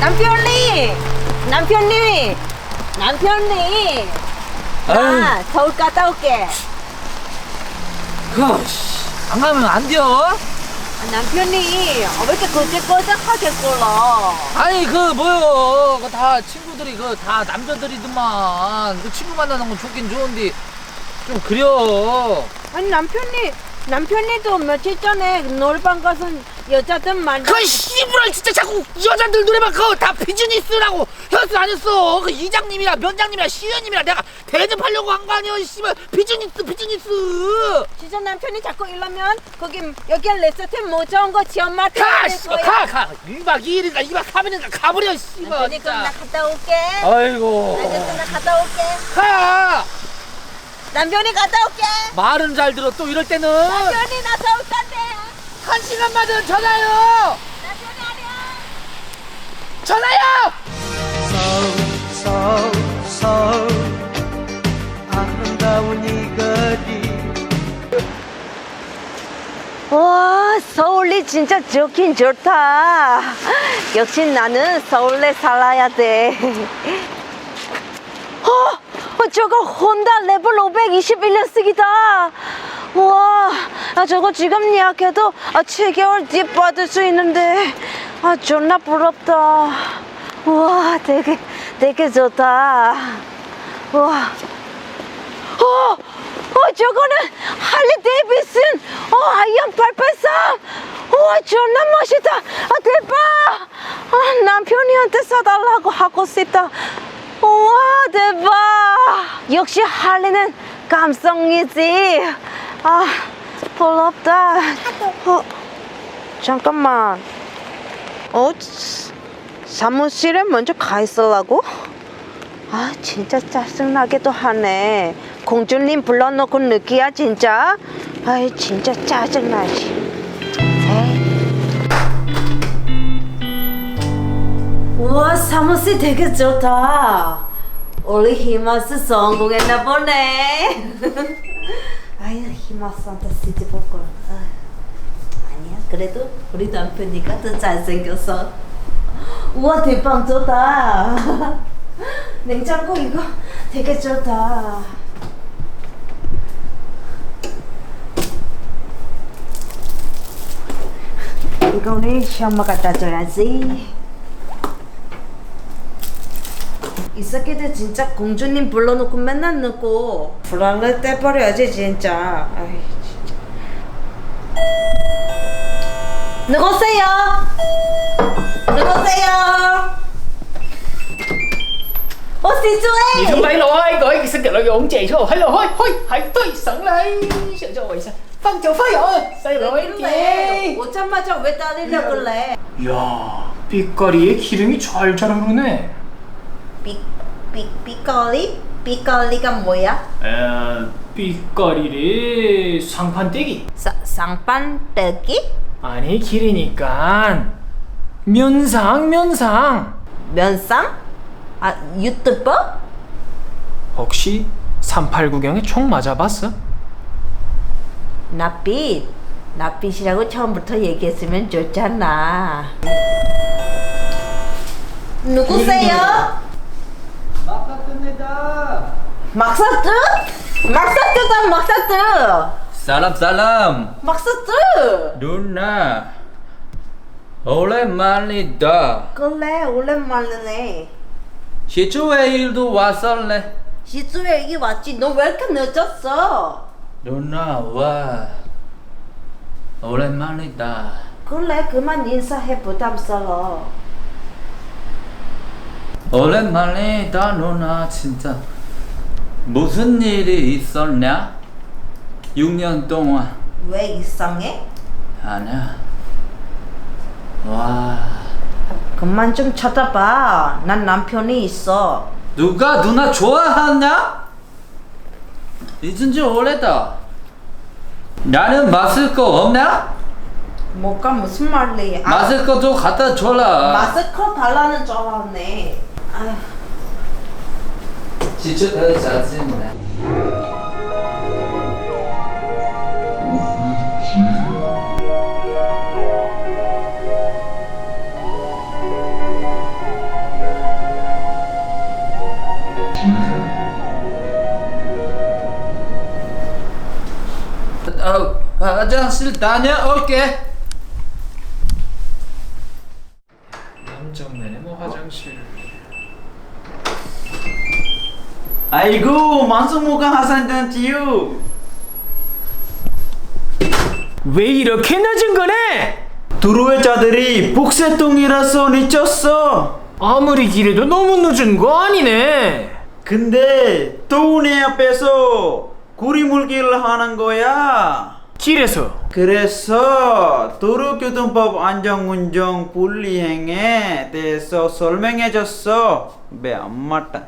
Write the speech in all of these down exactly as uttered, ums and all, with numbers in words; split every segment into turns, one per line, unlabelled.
남편님! 남편님! 남편님! 나 서울 갔다 올게.
그, 안 가면 안 돼요?
남편님, 왜 이렇게 거짓거짓하게 굴러?
아니, 그, 뭐요. 그 다 친구들이, 그, 다 남자들이더만. 그 친구 만나는 건 좋긴 좋은데, 좀 그려.
아니, 남편님, 남편님도 며칠 전에 노래방 가서 여자들 만나.
그 씨부랄 진짜 자꾸 여자들 노래방 그거 다 비즈니스라고 현수 안 했어. 그 이장님이랑 면장님이랑 시의원님이랑 내가 대접하려고 한 거 아니야. 씨발 비즈니스 비즈니스.
진짜 남편이 자꾸 이러면 거기 여기 레스토트 못 좋은 거 지엄마한테
가
할
씨발
거야.
가가 일 박 이 일인가 이 박 삼 일인가 가버려 씨발
남편이 그럼 나
진짜.
갔다 올게.
아이고
알겠어, 나 갔다 올게.
가.
남편이 갔다 올게.
말은 잘 들어. 또 이럴 때는
남편이 나 서울 간대.
한 시간마다 전화요.
남편이 아니야.
전화요.
서울 서울 아름다운 이 거리.
와, 서울이 진짜 좋긴 좋다. 역시 나는 서울에 살아야 돼. 어, 어, 저거 혼다 레벨 오백이십일 년씩이다. 와, 아, 저거 지금 예약해도 아, 칠 개월 뒤에 받을 수 있는데, 아, 존나 부럽다. 와, 되게, 되게 좋다. 와, 어, 어, 저거는 할리 데이비슨, 어, 아이언 팔팔삼. 우와, 존나 멋있다. 아, 대박. 아, 남편이한테 사달라고 하고 싶다. 우와, 대박. 역시 할리는 감성이지. 아, 부럽다. 어, 잠깐만. 어, 사무실에 먼저 가 있으라고? 아, 진짜 짜증나게도 하네. 공주님 불러놓고 느끼야 진짜. 아이, 진짜 짜증나지. 우와, 사무실 되게 좋다. 우리 히마스 성공했나 보네. 아유, 히마스한테 시집 볼 걸. 아니야, 그래도 우리 남편이가 더 잘생겼어. 우와, 대박 좋다. 냉장고 이거 되게 좋다. 이거는 시엄마 갖다 줘야지. 이 새끼들 진짜 공주님 불러놓고 맨날 넣고 불안을 떼버려야지 진짜. 아이, 진짜. 누구세요? 누구세요? 어,
Đi
시주에.
xuống đây rồi, gọi cái sự kiện là ổn chị rồi. Hello, hoi, hoi, hãy tôi sẵn đây. Sợ rồi sao? Phân chỗ phơi rồi. Sao rồi chị?
오자마자 왜 따리려 그래?
야, 빛깔이에 기름이 잘 자라오네.
삐, 삐, 삐거리? 삐거리가 뭐야?
에, 빛깔이래 상판떼기.
사, 쌍판떼기?
아니 길이니까 면상 면상.
면상? 아, 유튜버?
혹시 삼팔구경에 총 맞아봤어?
나빛. 나빛이라고 처음부터 얘기했으면 좋잖아. 누구세요?
막사입니다.
막사뜨? 막사뜨다, 막사뜨.
Salam salam
막사뜨.
누나 오랜만이다.
그래, 오랜만이네.
시주회일도 왔을래?
시주에 여기 왔지. 너 왜 이렇게 늦었어?
누나 와 오랜만이다.
그래, 그만 인사해. 부담스러워.
오랜만이다 누나. 진짜 무슨 일이 있었냐? 육 년 동안.
왜 이상해?
아니야. 와
그만 좀 쳐다봐. 난 남편이 있어.
누가 누나 좋아하냐? 잊은 지 오래다. 나는 마실 거 없냐?
뭐가 무슨 말이야? 아,
마실 거 좀 갖다 줘라.
마스크 달라는 줄 알았네. 아휴.
지쳐서 짜증나. 어, 화장실 다녀올게.
남정네네 뭐 화장실.
아이고 만수무강 하산단지요.
왜 이렇게 늦은 거네?
들어올 자들이 복세통이라서 늦었어.
아무리 길해도 너무 늦은 거 아니네.
근데 또 내 앞에서 고리물기를 하는 거야.
길에서
그래서 도로교통법 안전운전 분리행에 대해서 설명해줬어. 왜 안 맞다?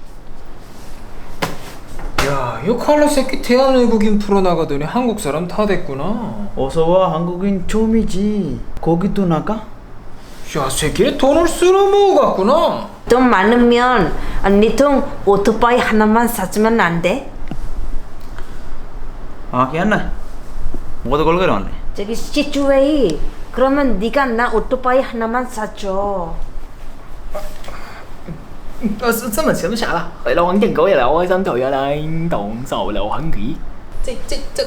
야, 이 칼라 새끼 대한 외국인 풀어나가더니 한국 사람 다 됐구나.
어서와. 한국인 처음이지. 거기도 나가?
야, 새끼는 돈을 쓸어모으 갔구나.
돈 많으면 언니 통 오토바이 하나만 사주면 안 돼?
아 걔네 뭐도 걸거려 왔네.
저기 시주웨이 그러면 네가 나 오토바이 하나만 사줘.
呃，是这么吃不下了，回来往点狗也来，我想头下来动手了，很귀。这这这，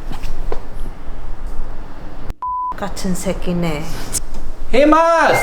같은 새끼네.
히마스!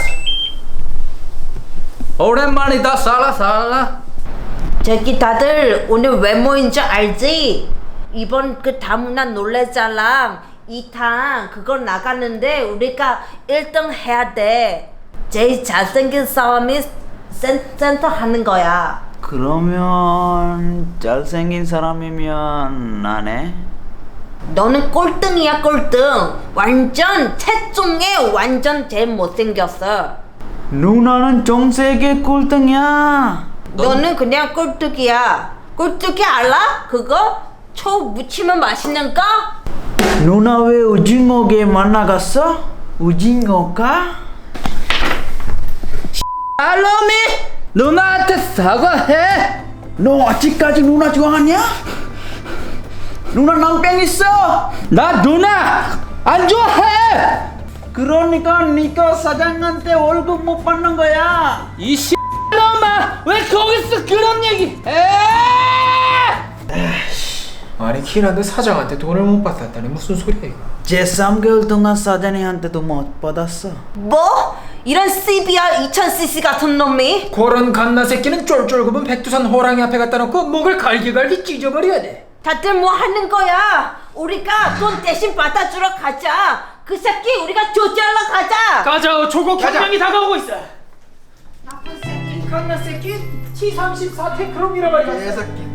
오랜만이다. 살아 살아.
저기 다들 오늘 왜 모인 줄 알지? 이번 그 다문화 놀래자랑 이 탄 그거 나가는데 우리가 일 등 해야 돼. 제일 잘생긴 사람이 센, 센터 하는 거야.
그러면 잘생긴 사람이면 나네?
너는 꼴등이야 꼴등. 완전 최종에 완전 제일 못생겼어.
누나는 정세계 꼴등이야.
너는 그냥 꼴뚜기야. 꼴뚜기 알아? 그거? 초 무치면 맛있는 거?
누나 왜 오징어게 만나갔어? 오징어가?
알로미! 누나한테 사과해!
너 아직까지 누나 좋아하냐? 누나 낭병 있어.
나 누나 안 좋아해!
그러니까 네가 사장한테 월급 못 받는 거야.
이 씨놈아! 왜 거기서 그런 얘기 해!
아니 키라도 사장한테 돈을 못 받았다니 무슨 소리야 이거?
제삼 개월 동안 사장님한테도 못 받았어.
뭐? 이런 씨비알 이천 씨씨 같은 놈이?
그런 갓나 새끼는 쫄쫄굽은 백두산 호랑이 앞에 갖다 놓고 목을 갈기갈기 찢어버려야 돼.
다들 뭐 하는 거야? 우리가 돈 대신 받아주러 가자. 그 새끼 우리가 조지하러 가자.
가자. 조국 혁명이 다가오고 있어. 나쁜 새끼 갓나 새끼 티 삼십사 테크롬이라 말이야.
개새끼.